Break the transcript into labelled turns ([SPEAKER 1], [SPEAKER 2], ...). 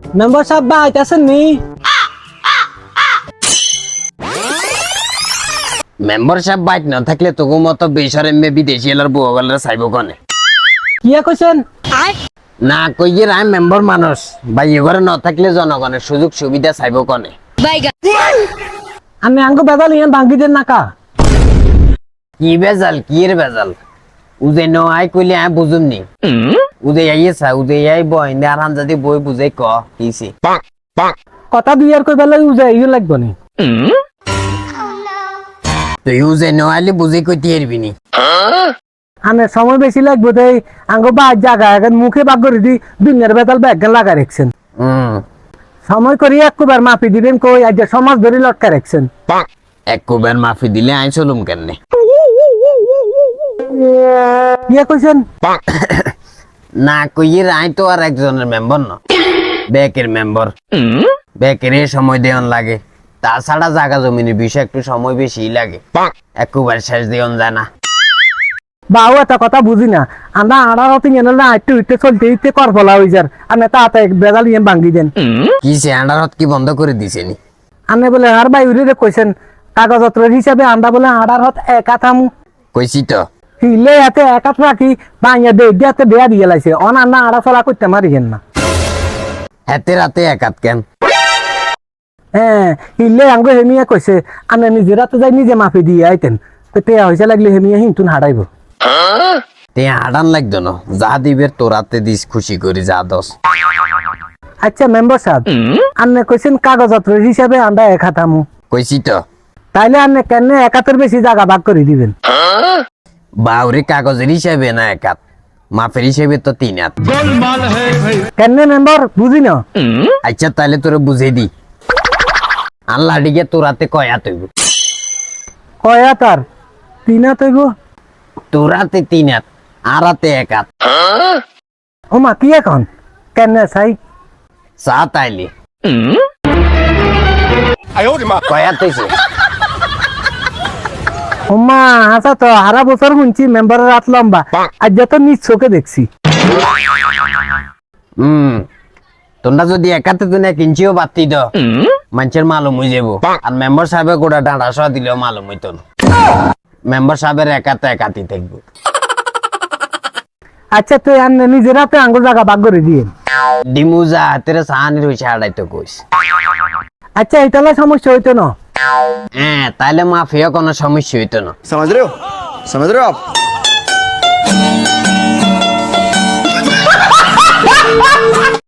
[SPEAKER 1] Member সাহেব বা আইতাছেন নি?
[SPEAKER 2] মেম্বার সাহেব বাইক না থাকলে তোকে মতো বেসরে মে বিদেশি এলার বউগলের চাইব কনে
[SPEAKER 1] কিয়া কইছেন?
[SPEAKER 2] না কইয়ে রায় মেম্বার মানুষ ভাই এবারে না থাকলে জনগণের সুযোগ সুবিধা চাইব কনে
[SPEAKER 1] আমি আঙ্গো বেদাল ইয়ে ভাঙ্গি দেন নাকা।
[SPEAKER 2] কি বেজাল কি এর বেজাল উদে ন আই কইলে আই বুঝুম নি উদে আইয়েছা উদে আই বই আর হান যদি বই বুঝে ক কিছি
[SPEAKER 1] কথা দুই আর কইবা লাগি উজা ইউ লাগবো নি।
[SPEAKER 2] তুই উদে ন আইলে বুঝে কইতে এরবি নি
[SPEAKER 1] আনে সময় বেশি লাগবো তাই আঙ্গো বা জায়গা এখন মুখে বাগ করে দি দুনিয়ার বেদাল ব্যাগ লাগা রাখছেন। সময় করি একবার মাপি দিবেন কই আজ সমাজ ধরে লটকা রাখছেন।
[SPEAKER 2] একবার মাফি দিলে আই চলুম কেনে
[SPEAKER 1] কিয়া কইছেন?
[SPEAKER 2] না কইয়ে আই তো আর একজনের মেম্বার না ব্যাকের মেম্বার ব্যাকের সময় দেওয়ান লাগে তাছাড়া জায়গা জমিনের বিষয় একটু সময় বেশি লাগে একবার শেষ দেওয়ান যায় না
[SPEAKER 1] বাউ একটা কথা বুঝি না আমরা আড়ার হতে গেল না একটু ইটে চলতে ইটে কর ফলা হয়ে যার আমি তাতে বেদাল ইয়ে ভাঙ্গি দেন
[SPEAKER 2] কি সে আন্ডারত কি বন্ধ করে দিছে নি
[SPEAKER 1] আনে বলে আর ভাই উড়ে কইছেন কাগজপত্রের হিসাবে আমরা বলে আড়ার হত একা থামু
[SPEAKER 2] কইছি তো
[SPEAKER 1] হিলে এতে একা রাখি বাইয়া দে দিয়াতে দেয়া দিয়ে লাইছে অন আন্না আড়া চলা করতে মারিয়েন না।
[SPEAKER 2] হাতে রাতে একাত কেন
[SPEAKER 1] হ্যাঁ হিলে আঙ্গো হেমিয়া কইছে আমি নিজের রাতে যাই নিজে মাফি দিয়ে আইতেন তো তেয়া হইছে লাগলে হেমিয়া হিন্তুন হারাইব
[SPEAKER 2] তে হাডান লাগতো না যা দিবের তোরাতে দিস খুশি করি যা দস
[SPEAKER 1] আচ্ছা মেম্বার সাহেব আন্নে কইছেন কাগজপত্রের হিসাবে আমরা একা থামু
[SPEAKER 2] কইছি তো
[SPEAKER 1] তাইলে আন্নে কেন একাতের বেশি জায়গা ভাগ করে দিবেন
[SPEAKER 2] বাউরে কাগজের হিসাবে না একাত মাফের হিসেবে তো 3 হাত
[SPEAKER 1] কেন মেম্বার বুঝি না।
[SPEAKER 2] আচ্ছা তাহলে তোরে বুঝে দি আল্লাহ ডিগে তোরাতে কয়া তৈব
[SPEAKER 1] কয়া তার তিনা তৈব
[SPEAKER 2] তোরাতে 3 হাত আর হাতে 1 হাত
[SPEAKER 1] ও মা কি এখন কেন চাই
[SPEAKER 2] চা তাইলে কয়া তৈছে
[SPEAKER 1] ও মা আচ্ছা তো হারা বছর শুনছি মেম্বারের রাত লম্বা আজ যত নিজ চোখে দেখছি।
[SPEAKER 2] তোমরা যদি একাতে তুমি 1 ইঞ্চিও বাতি দাও মানুষের মালুম হয়ে যাবো আর মেম্বার সাহেবের গোটা ডাঁড়া সহ দিলেও মালুম হইতো না মেম্বার সাহেবের একাতে একাতি থাকবো।
[SPEAKER 1] আচ্ছা তুই আর নিজের হাতে আঙ্গুল জায়গা ভাগ করে দিয়ে
[SPEAKER 2] ডিমুজা হাতের সাহানির হয়েছে হাড়াইতো কইস
[SPEAKER 1] আচ্ছা এইটালে সমস্যা হইতো না।
[SPEAKER 2] হ্যাঁ তাইলে মাফিয়া কোনো সমস্যা হইতো না
[SPEAKER 3] समझ रहे हो आप